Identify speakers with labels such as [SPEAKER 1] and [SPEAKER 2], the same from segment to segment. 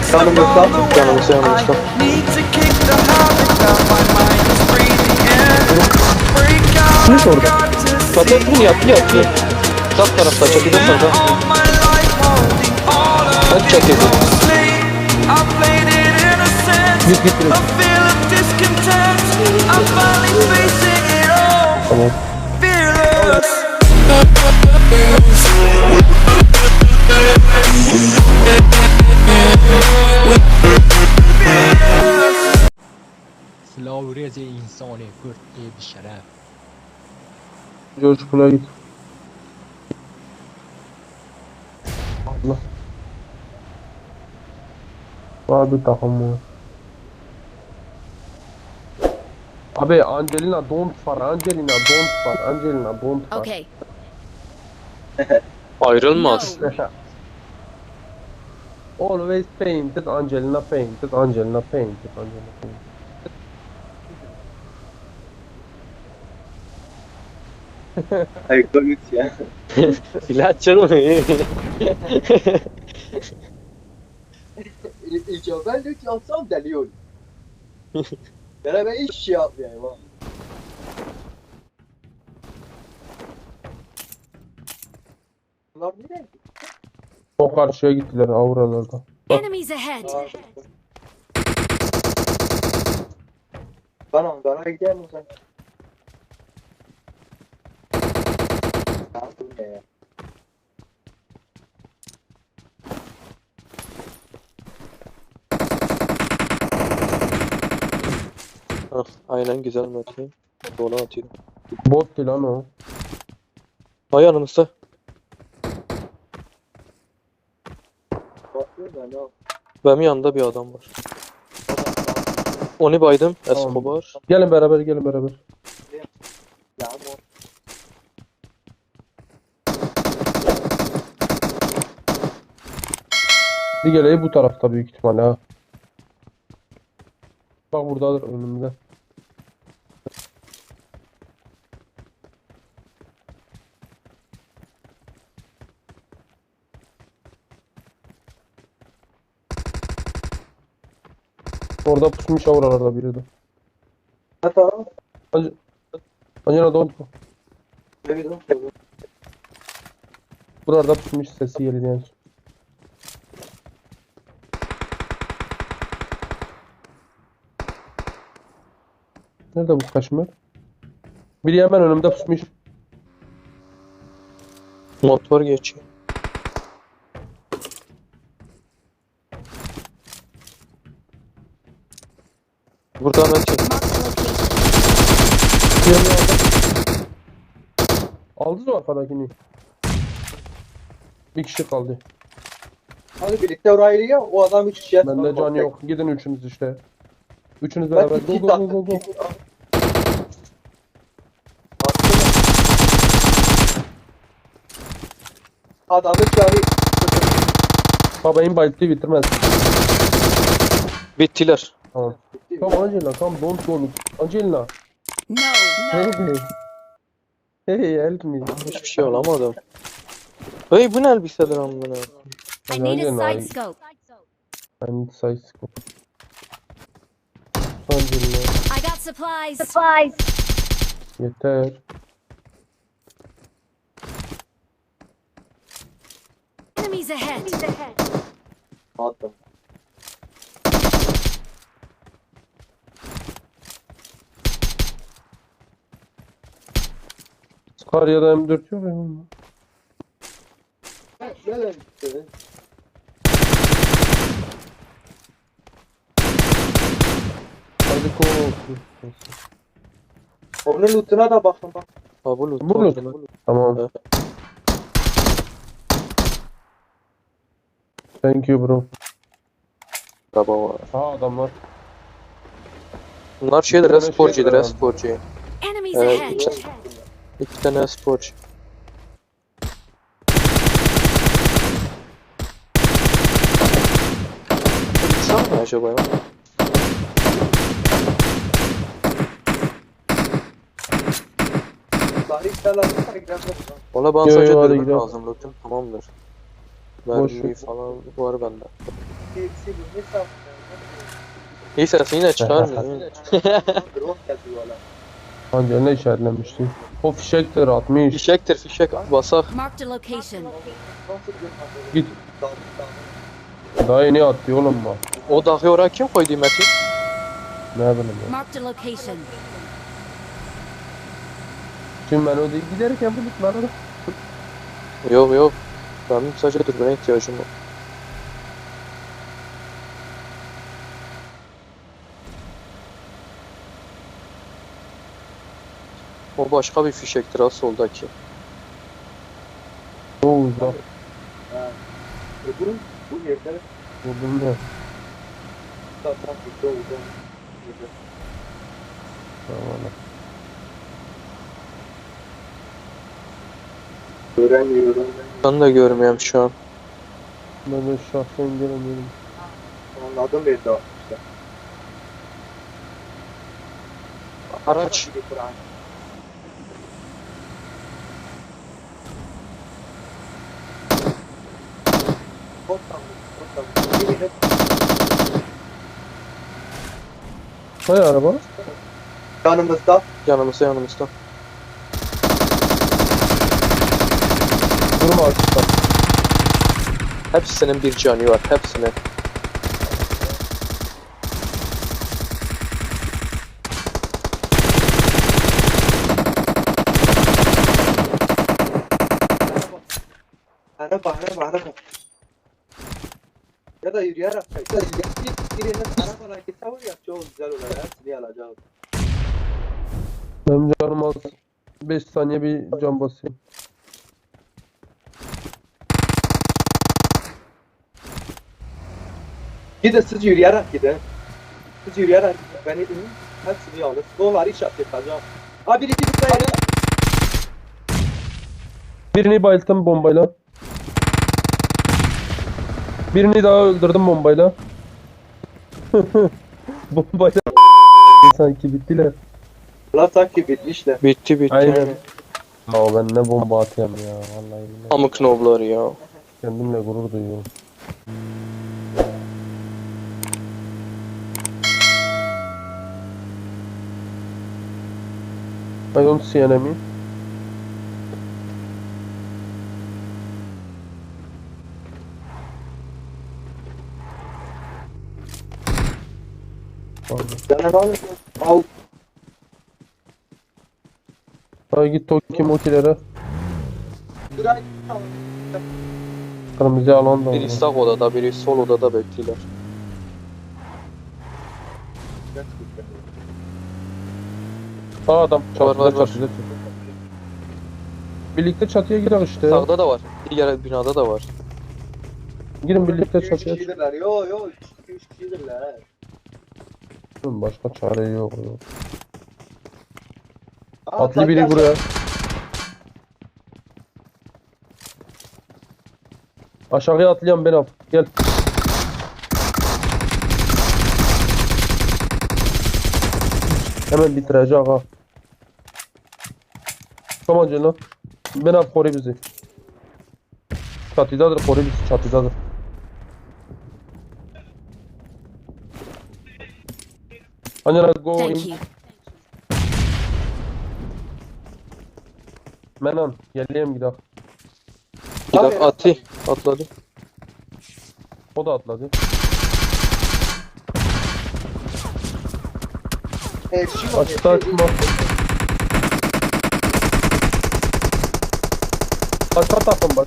[SPEAKER 1] Yanımızda.
[SPEAKER 2] Yanımızda yanımızda.
[SPEAKER 1] Kim orada?
[SPEAKER 2] Zaten yaptı. Sağ tarafta çatıda sağda. Hadi çatıda.
[SPEAKER 1] Git direkt. Tamam.
[SPEAKER 3] Silah rezi insani Kürt diye bir şeref.
[SPEAKER 1] Coşkula git. Allah. Var bir takım var. Abi Angelina don't far. Angelina don't far. Angelina don't far.
[SPEAKER 4] Okay.
[SPEAKER 2] Ayrılmaz.
[SPEAKER 1] Always painted Angelina painted Angelina painted Angelina painted.
[SPEAKER 5] Hayır, komik ya.
[SPEAKER 2] Silah canım.
[SPEAKER 5] Ben de hiç alsam deli olur. Ben hiç şey yapmayayım ha. Bunlar nereye?
[SPEAKER 1] O karşıya gittiler avralarda.
[SPEAKER 4] Enemies ahead.
[SPEAKER 5] Ben onlara gideyim o zaman. Ya bu ne ya?
[SPEAKER 2] Aynen güzel Metin. Dola atıyor.
[SPEAKER 1] Bot değil lan o.
[SPEAKER 2] Ay yanımızda.
[SPEAKER 5] Bakıyor da ne o?
[SPEAKER 2] Benim yanında bir adam var. Onu baydım.
[SPEAKER 1] Tamam.
[SPEAKER 2] Escobar.
[SPEAKER 1] Gelin beraber gelin beraber.
[SPEAKER 5] Ya bu.
[SPEAKER 1] Bir geleği bu tarafta büyük ihtimalle ha. Bak buradadır önümde. Orada pusmuş avralarda biri de.
[SPEAKER 5] Ha tamam.
[SPEAKER 1] Acaba don't go.
[SPEAKER 5] Evet o.
[SPEAKER 1] Burada pusmuş sesi geliyor yani. Nerede bu kaşmir? Biri hemen önümde pusmuş.
[SPEAKER 2] Motor geçiyor. Burada Metin.
[SPEAKER 4] Marked a location.
[SPEAKER 1] Diğerini aldım. Aldınız mı arkadakini? Bir kişi kaldı.
[SPEAKER 5] Hadi birlikte oraya ya. O adam hiç şey
[SPEAKER 1] Bende can yok. Gidin üçünüz işte. Üçünüz
[SPEAKER 5] Ben
[SPEAKER 1] beraber. Go
[SPEAKER 5] iki
[SPEAKER 1] go go go go.
[SPEAKER 5] Adamı çağırıyor.
[SPEAKER 1] Babayın bayıltıyı bitirmez.
[SPEAKER 2] Bittiler.
[SPEAKER 1] Tamam. Come Angelina, come don't go. Angelina.
[SPEAKER 4] No.
[SPEAKER 1] Hey hey. Hey help me.
[SPEAKER 2] Hiçbir şey olamadım. Hey bu ne elbisedir amına?
[SPEAKER 4] I need a
[SPEAKER 1] Angelina,
[SPEAKER 4] side scope.
[SPEAKER 1] I need size scope. Angelina.
[SPEAKER 4] I got supplies.
[SPEAKER 1] Yeter.
[SPEAKER 4] Enemies ahead.
[SPEAKER 5] Attım.
[SPEAKER 1] Scar ya da M4 yok ya.
[SPEAKER 5] Gel işte.
[SPEAKER 1] Hadi go.
[SPEAKER 5] Onun lootuna da bakın bak.
[SPEAKER 2] Ha bu loot.
[SPEAKER 1] Bu loot. Tamam.
[SPEAKER 2] Evet.
[SPEAKER 1] Thank you bro.
[SPEAKER 2] Araba var.
[SPEAKER 1] Aa adamlar.
[SPEAKER 2] Bunlar şeydir,
[SPEAKER 1] Bir tane
[SPEAKER 2] sporcudur,
[SPEAKER 1] şey var.
[SPEAKER 2] sporcu.
[SPEAKER 4] Enemies
[SPEAKER 2] Evet,
[SPEAKER 4] ahead.
[SPEAKER 2] iki tane sporcu. Uçsam mı acaba ya?
[SPEAKER 5] Daha hiç selamlıkla gidelim.
[SPEAKER 2] Valla bana
[SPEAKER 1] Yo,
[SPEAKER 2] sadece
[SPEAKER 1] yo, hadi
[SPEAKER 2] dürbün
[SPEAKER 1] gidelim.
[SPEAKER 2] lazım, lootum tamamdır.
[SPEAKER 1] Boş
[SPEAKER 2] Mermi
[SPEAKER 1] ver.
[SPEAKER 2] falan var bende.
[SPEAKER 5] Hepsi bu ne saf.
[SPEAKER 2] İyi sesini yine çıkarmıyor.
[SPEAKER 5] Drone geldi valla.
[SPEAKER 1] Angelina işaretlemişti. O fişektir atmış.
[SPEAKER 2] Fişektir fişek basak.
[SPEAKER 4] Marked a location.
[SPEAKER 5] Nasıl bir
[SPEAKER 1] Git.
[SPEAKER 5] Dağ.
[SPEAKER 1] Daha yeni attı oğlum bak.
[SPEAKER 2] O dağı oraya kim koydu Metin?
[SPEAKER 1] Ne bileyim ya.
[SPEAKER 4] Marked a location.
[SPEAKER 1] Şimdi ben o değil giderken bulutlara.
[SPEAKER 2] Yok yok. Benim sadece dürbüne ihtiyacım var. O başka bir fişektir ha soldaki.
[SPEAKER 1] O uzak.
[SPEAKER 5] Bu yerde
[SPEAKER 1] Vurdum ya.
[SPEAKER 5] zaten bir oldu.
[SPEAKER 1] Tamam.
[SPEAKER 5] Öğrenmiyorum.
[SPEAKER 2] Ben de görmüyorum şu an.
[SPEAKER 1] Ben de şahsen göremiyorum.
[SPEAKER 5] Anladım bir daha işte.
[SPEAKER 2] Araç.
[SPEAKER 1] Hay araba.
[SPEAKER 5] Yanımızda.
[SPEAKER 2] Yanımızda.
[SPEAKER 1] Durma açıkta.
[SPEAKER 2] Hepsinin bir canı var. Hepsinin.
[SPEAKER 5] Araba. Ya da yürüyerek. Ya da birinin arabayla gitse var ya çok güzel olur. Hepsini alacağım.
[SPEAKER 1] Benim canım az. 5 saniye bir can basayım.
[SPEAKER 5] Gidin siz yürüyerek gidin. Siz yürüyerek gidin. Beni dinleyin. Hepsini alın. Doları işaret yapacağım. Ha biri buraya.
[SPEAKER 1] Birini bayılttım bombayla. Birini daha öldürdüm bombayla. Bombayla sanki bittiler.
[SPEAKER 5] Lan sanki bitmişler.
[SPEAKER 2] Bitti.
[SPEAKER 1] Aynen. Ya ben ne bomba atıyorum ya vallahi billahi.
[SPEAKER 2] Amık nobları ya.
[SPEAKER 1] Kendimle gurur duyuyorum. I don't see enemy. Pardon.
[SPEAKER 5] Al.
[SPEAKER 1] Hadi git Toki Moki'lere.
[SPEAKER 5] Burayı al.
[SPEAKER 1] Kırmızı alan da
[SPEAKER 2] Biri
[SPEAKER 1] var.
[SPEAKER 2] sağ odada, biri sol odada bekliyorlar.
[SPEAKER 1] Aa adam çatıda
[SPEAKER 2] var.
[SPEAKER 1] çatıda. Birlikte çatıya girelim işte.
[SPEAKER 2] Sağda da var. Diğer binada da var.
[SPEAKER 1] Girin birlikte
[SPEAKER 5] 3
[SPEAKER 1] çatıya.
[SPEAKER 5] kişidirler. Yo 3 kişidirler.
[SPEAKER 1] Başka çare yok.
[SPEAKER 5] Aa,
[SPEAKER 1] Atlı biri
[SPEAKER 5] bak,
[SPEAKER 1] buraya. Aşağıya atlayan ben al. Gel. Hemen bitirecek ha. Tamam canım. Ben al koru bizi. Çatıdadır koru bizi çatıdadır. Angela go
[SPEAKER 4] Thank
[SPEAKER 1] in.
[SPEAKER 4] you.
[SPEAKER 1] Menan geleyim gidelim.
[SPEAKER 2] Bir dakika atladı.
[SPEAKER 1] O da atladı. Açıkta açma. Başka takım.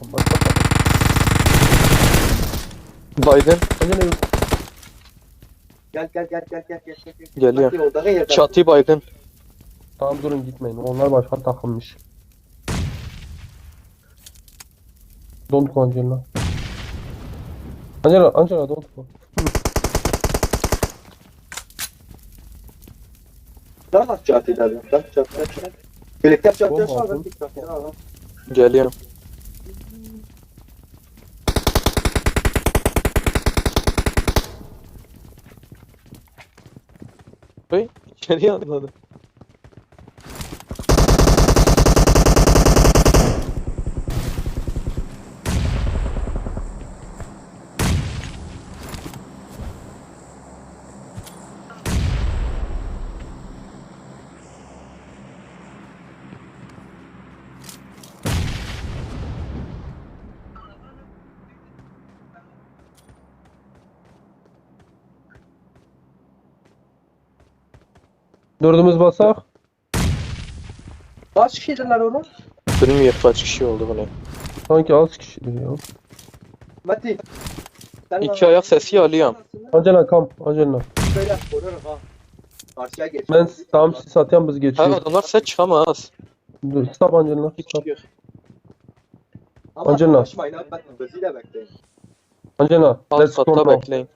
[SPEAKER 2] Baygın
[SPEAKER 1] Angela
[SPEAKER 5] Gel.
[SPEAKER 2] geliyor.
[SPEAKER 5] Bak, odağa yer-
[SPEAKER 2] Çatı baygın.
[SPEAKER 1] tamam durun gitmeyin. Onlar başka takımmış. Don't go Angela. Angela don't go.
[SPEAKER 5] Lan nasıl çatıda? Lan çatıda. Birlikte çatıda
[SPEAKER 1] Bomba
[SPEAKER 5] şu an
[SPEAKER 1] atın.
[SPEAKER 5] bir çatıda al.
[SPEAKER 2] Geliyorum. Hey, içeriye atladı.
[SPEAKER 1] Dördümüz basak.
[SPEAKER 5] Kaç kişiydiler oğlum?
[SPEAKER 2] Bilmiyorum kaç kişi oldu bu ne.
[SPEAKER 1] Sanki az kişidir ya.
[SPEAKER 5] Mati. Sen
[SPEAKER 2] İki ayak sesi alıyorum.
[SPEAKER 1] Angela kam. Angela.
[SPEAKER 5] Böyle koruyorum ha. Karşıya geç.
[SPEAKER 1] Ben tam siz satyan biz
[SPEAKER 2] Ha
[SPEAKER 1] geçiyor.
[SPEAKER 2] adamlar set çıkamaz.
[SPEAKER 1] Dur, stop Angela.
[SPEAKER 2] Bir
[SPEAKER 1] Stop.
[SPEAKER 2] kişi yok.
[SPEAKER 5] Ama
[SPEAKER 1] Angela.
[SPEAKER 5] konuşmayın abi. Ben gözüyle bekleyin.
[SPEAKER 1] Angela.
[SPEAKER 2] Alt
[SPEAKER 1] Let's go
[SPEAKER 2] katta
[SPEAKER 1] now.
[SPEAKER 2] bekleyin.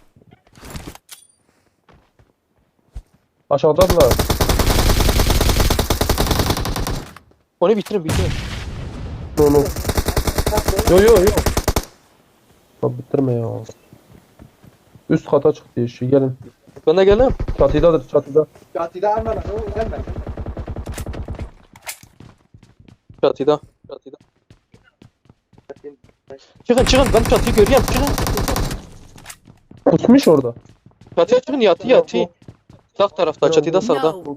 [SPEAKER 1] Aşağıdadılar.
[SPEAKER 2] Onu bitirin bitirin.
[SPEAKER 1] No no. Yo yo yo. Ya bitirme ya. Üst kata çıktı işi. Gelin.
[SPEAKER 2] Ben de geleyim.
[SPEAKER 1] Çatıdadır çatıda.
[SPEAKER 5] Katide alma lan. O gelme.
[SPEAKER 2] Çatıda. Çatıda. Çıkın çıkın ben çatıyı görüyorum çıkın.
[SPEAKER 1] Kusmuş orada.
[SPEAKER 2] Çatıya çıkın yatı yatı. Sağ tarafta çatıda sağda.
[SPEAKER 4] No.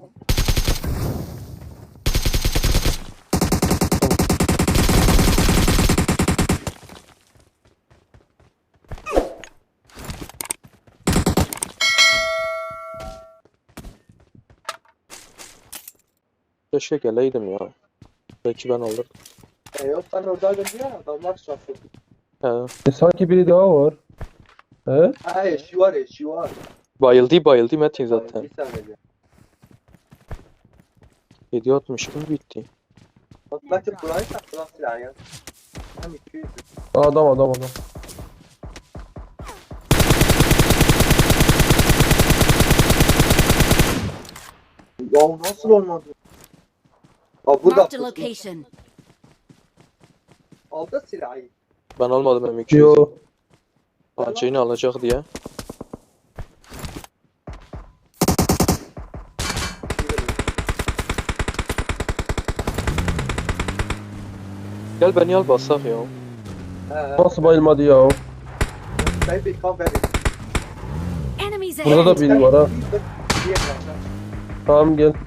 [SPEAKER 2] Keşke geleydim ya. Belki ben alırdım.
[SPEAKER 5] Yok sen oradaydın ya. Adamlar şaşırdı.
[SPEAKER 2] He.
[SPEAKER 1] Sanki biri daha var. He?
[SPEAKER 5] Ha eşi var eşi var.
[SPEAKER 2] Bayıldı Metin zaten.
[SPEAKER 5] Bir saniye.
[SPEAKER 2] 760 gibi bitti.
[SPEAKER 5] Bak Mati burayı saklan silahı ya. Hem 200.
[SPEAKER 1] Adam.
[SPEAKER 5] Ya nasıl olmadı? Aa burada
[SPEAKER 4] Marked a location.
[SPEAKER 5] aldı silahı.
[SPEAKER 2] Ben almadım M200'ü.
[SPEAKER 1] Yo.
[SPEAKER 2] Acıyını alacak diye. Gel beni al basak ya.
[SPEAKER 1] Nasıl bayılmadı ya?
[SPEAKER 5] Baby come baby.
[SPEAKER 4] Enemies
[SPEAKER 1] Burada da
[SPEAKER 4] ahead.
[SPEAKER 1] biri var ha. Tamam gel.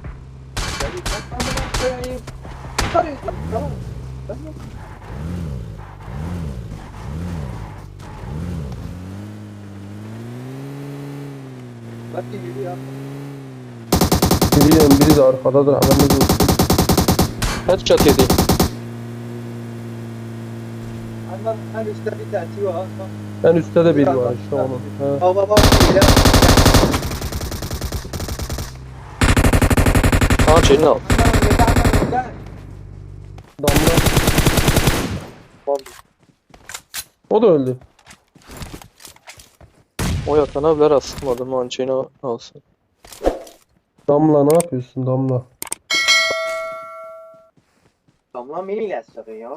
[SPEAKER 5] Bak yürü ya.
[SPEAKER 1] Biri de arkadadır haberiniz olsun.
[SPEAKER 2] Headshot yedi.
[SPEAKER 5] Hemen üstte bir tane var.
[SPEAKER 1] En üstte de biri var işte onun. He.
[SPEAKER 5] Hava var.
[SPEAKER 2] Acıyını al.
[SPEAKER 1] Damla. O da öldü.
[SPEAKER 2] O yatana bile rastladım. Acıyını alsın.
[SPEAKER 1] Damla ne yapıyorsun Damla?
[SPEAKER 5] Damla beni ilaçladı ya.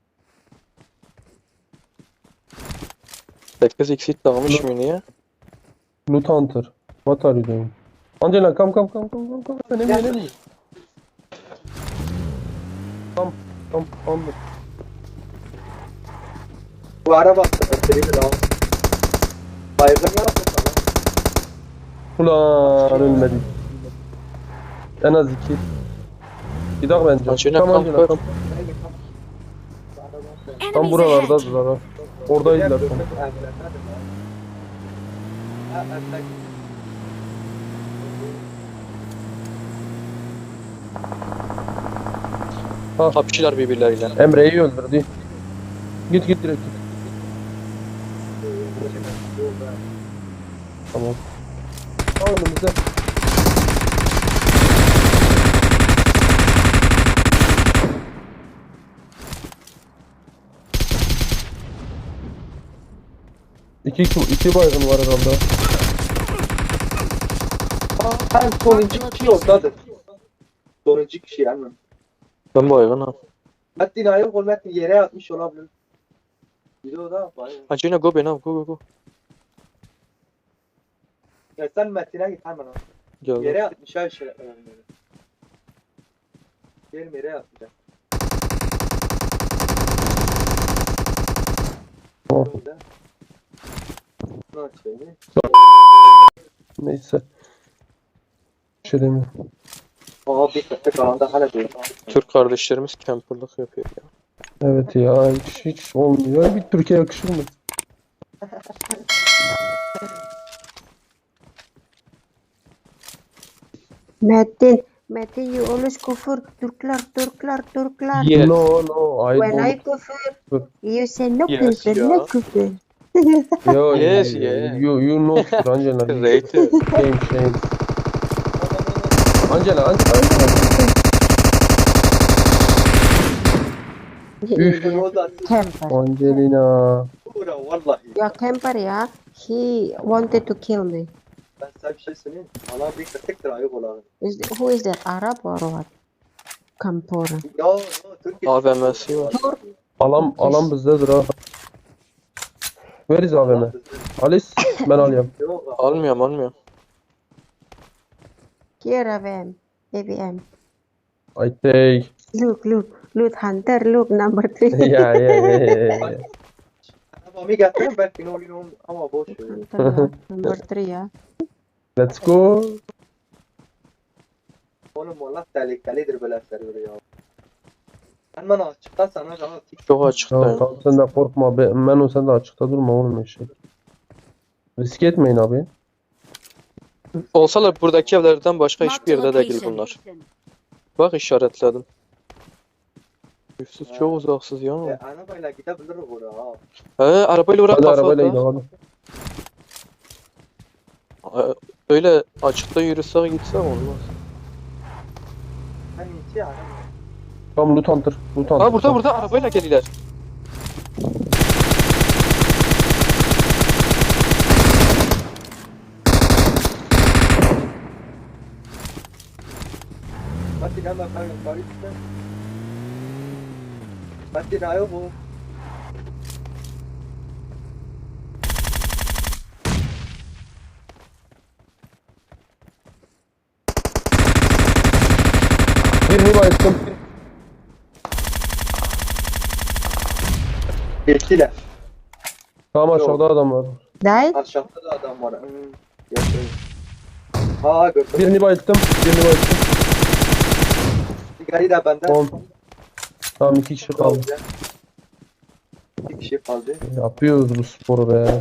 [SPEAKER 2] 8 exit dağılmış mı niye?
[SPEAKER 1] Loot Hunter. What are you doing? Angela come. Enemy. Come.
[SPEAKER 5] Bu araba seni de al. Baygın ne yaptın sana?
[SPEAKER 1] Ulan ölmedik. En az 2. Gidelim bence.
[SPEAKER 2] Angela,
[SPEAKER 1] Come
[SPEAKER 2] come
[SPEAKER 1] Angela
[SPEAKER 2] first.
[SPEAKER 1] come. Tam
[SPEAKER 4] Enemies ahead.
[SPEAKER 1] buralardadırlar ha. Oradaydılar tam.
[SPEAKER 2] Kapışırlar birbirleriyle.
[SPEAKER 1] Emre'yi öldürdü. Git direkt git. Tamam. Al önümüze. İki baygın var herhalde.
[SPEAKER 5] Ben sonuncu kişi oradadır. Sonuncu kişi yani.
[SPEAKER 2] Ben baygın ha.
[SPEAKER 5] Metin ayıp ol Metin yere yatmış olabilir. Biri o da bayağı.
[SPEAKER 2] Acıyına go beni al go.
[SPEAKER 5] Ya sen Metin'e git hemen al.
[SPEAKER 2] Geldim.
[SPEAKER 5] Yere yatmış her şey. Gelin yere yatacak.
[SPEAKER 1] Oh.
[SPEAKER 5] Ne açayım?
[SPEAKER 1] Neyse. Bir şey demiyorum.
[SPEAKER 5] Aa bir köpek alanda hala değil.
[SPEAKER 2] Türk kardeşlerimiz camperlık yapıyor ya.
[SPEAKER 1] Evet ya hiç olmuyor. Bir Türkiye yakışır mı?
[SPEAKER 6] Metin, you always kufur. Turklar.
[SPEAKER 2] Yes.
[SPEAKER 1] No, I
[SPEAKER 6] When I
[SPEAKER 1] don't.
[SPEAKER 6] kufur, you say no
[SPEAKER 2] Yes,
[SPEAKER 6] kufur,
[SPEAKER 2] yeah.
[SPEAKER 6] no kufur.
[SPEAKER 1] Yo,
[SPEAKER 2] Yes, yeah.
[SPEAKER 1] you know küfür Angela.
[SPEAKER 2] Rated.
[SPEAKER 1] Shame. Angela. Üf.
[SPEAKER 6] Camper.
[SPEAKER 1] Angelina.
[SPEAKER 5] Bura vallahi.
[SPEAKER 6] Ya camper ya. He wanted to kill me.
[SPEAKER 5] Ben sana bir şey söyleyeyim. Allah bir kırtıktır ayıp olanı.
[SPEAKER 6] Who is that? Arab or what? Kampora.
[SPEAKER 5] Yo, Türk
[SPEAKER 2] AVM'si var.
[SPEAKER 1] Alan bizdedir ha. Where is AVM? Alice ben alayım.
[SPEAKER 5] Yok,
[SPEAKER 2] Almıyorum.
[SPEAKER 6] Here AVM. AVM.
[SPEAKER 1] I take.
[SPEAKER 6] Look, Hunter, look, number 3.
[SPEAKER 1] Yeah.
[SPEAKER 5] Arabamı getirin belki ne oluyor ama boş ver.
[SPEAKER 6] Hunter, number 3 ya.
[SPEAKER 1] Let's go.
[SPEAKER 5] Oğlum valla tehlikelidir böyle server ya. Ben bana açıkta sana daha tik
[SPEAKER 2] Çok açıktayım.
[SPEAKER 1] Tamam sen de korkma. Menu sen de açıkta durma oğlum eşek. Risk etmeyin abi.
[SPEAKER 2] Olsalar buradaki evlerden başka
[SPEAKER 4] Marked
[SPEAKER 2] hiçbir
[SPEAKER 4] a
[SPEAKER 2] yerde değil
[SPEAKER 4] location.
[SPEAKER 2] bunlar. Bak işaretledim. Üfsüz çok uzaksız ya.
[SPEAKER 5] arabayla gidebiliriz oraya ha.
[SPEAKER 2] He arabayla uğrak
[SPEAKER 1] Hadi
[SPEAKER 2] kafa
[SPEAKER 1] arabayla
[SPEAKER 2] at
[SPEAKER 1] gidelim hadi.
[SPEAKER 2] ha. Öyle açıkta yürüsek gitsek olmaz.
[SPEAKER 5] Ben içi araba.
[SPEAKER 1] Tamam loot hunter.
[SPEAKER 2] Ha burada arabayla geliler.
[SPEAKER 5] Pati nama kau bari kita. Pati na ayo bu.
[SPEAKER 1] Birini bayılttım.
[SPEAKER 5] Geçtiler.
[SPEAKER 1] Tamam aşağıda adam var.
[SPEAKER 6] Died?
[SPEAKER 5] Aşağıda da adam var. Yaşıyor. Ha gördüm.
[SPEAKER 1] Birini bayılttım.
[SPEAKER 5] Sigari da benden.
[SPEAKER 1] 10. Tamam 2 kişi kaldı.
[SPEAKER 5] Bir kişi kaldı.
[SPEAKER 1] Yapıyoruz bu sporu be.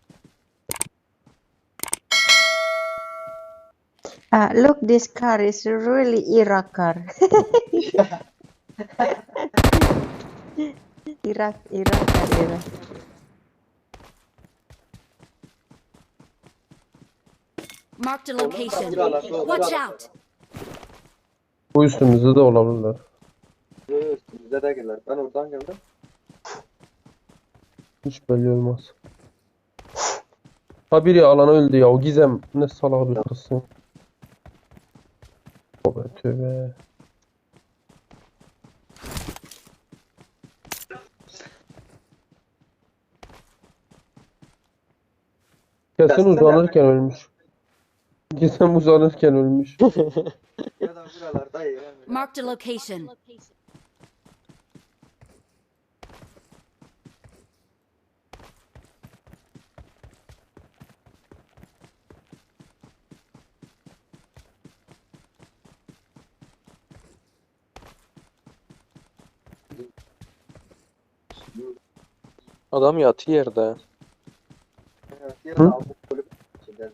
[SPEAKER 6] Look, this car is really Iraq car. Iraq car.
[SPEAKER 4] Marked a location.
[SPEAKER 5] Buralar.
[SPEAKER 4] Watch out!
[SPEAKER 1] Bu üstümüzde de olabilirler.
[SPEAKER 5] Üstümüze de gelirler. Ben oradan geldim.
[SPEAKER 1] Hiç belli olmaz. Ha biri alana öldü ya. O Gizem ne salak bir kızsın. Tövbe. Kesin uzanırken ölmüş. Gizem uzanırken ölmüş.
[SPEAKER 5] Ya da buralarda ya.
[SPEAKER 4] Marked a location.
[SPEAKER 2] Adam yatı yerde.
[SPEAKER 5] Diğer de bu kulüp içinde.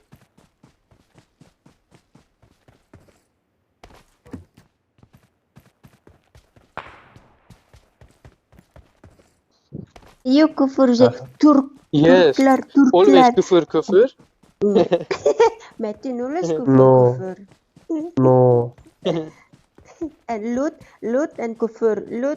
[SPEAKER 6] You kufur
[SPEAKER 2] Yes. Always küfür.
[SPEAKER 6] Metin always kufur.
[SPEAKER 1] No. No.
[SPEAKER 6] And loot and kufur.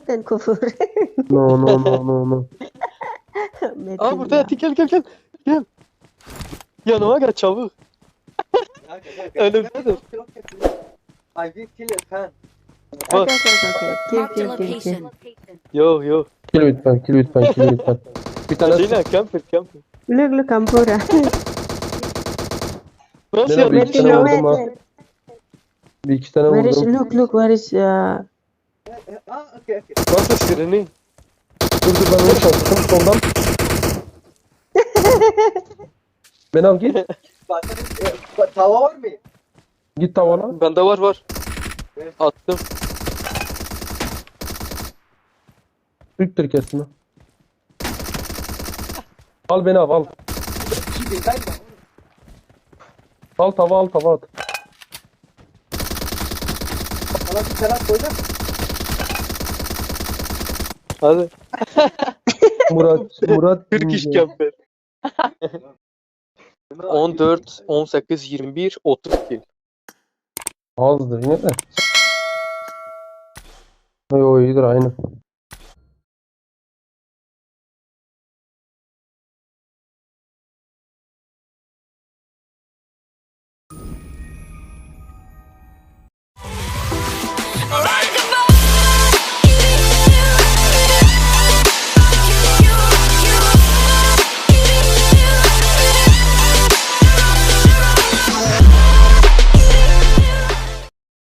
[SPEAKER 1] No.
[SPEAKER 6] Metin
[SPEAKER 2] Aa burada
[SPEAKER 6] ya.
[SPEAKER 2] yatı gel. Yanıma gel çabuk. Önümdedir.
[SPEAKER 5] I will kill your fan.
[SPEAKER 2] Bak.
[SPEAKER 6] Okay.
[SPEAKER 4] Marked a
[SPEAKER 6] Kill.
[SPEAKER 4] location.
[SPEAKER 2] Yok.
[SPEAKER 1] Kill lütfen. Bir tane
[SPEAKER 2] Lina camper.
[SPEAKER 6] Look, Kampora.
[SPEAKER 2] Nasıl
[SPEAKER 1] Lina, bir
[SPEAKER 2] yapmış?
[SPEAKER 1] iki tane vurdum ha.
[SPEAKER 6] Metin.
[SPEAKER 1] Bir iki tane
[SPEAKER 6] Where is
[SPEAKER 1] vurdum.
[SPEAKER 6] look, where is
[SPEAKER 5] Okay.
[SPEAKER 2] Nasıl sirini?
[SPEAKER 1] Dur ben onu çalıştım soldan. Ben al git.
[SPEAKER 5] Tava var mı?
[SPEAKER 1] Git tavala.
[SPEAKER 2] Bende var. Attım.
[SPEAKER 1] Türktür kesin. Al beni al.
[SPEAKER 5] 2000'den mi?
[SPEAKER 1] Al tava at.
[SPEAKER 5] Sana bir selam koyacağım.
[SPEAKER 2] Hadi.
[SPEAKER 1] Murat
[SPEAKER 2] Türk iş
[SPEAKER 1] deyince
[SPEAKER 2] camper. 14, 18, 21, 32.
[SPEAKER 1] azdır yine de. Yo iyidir aynı.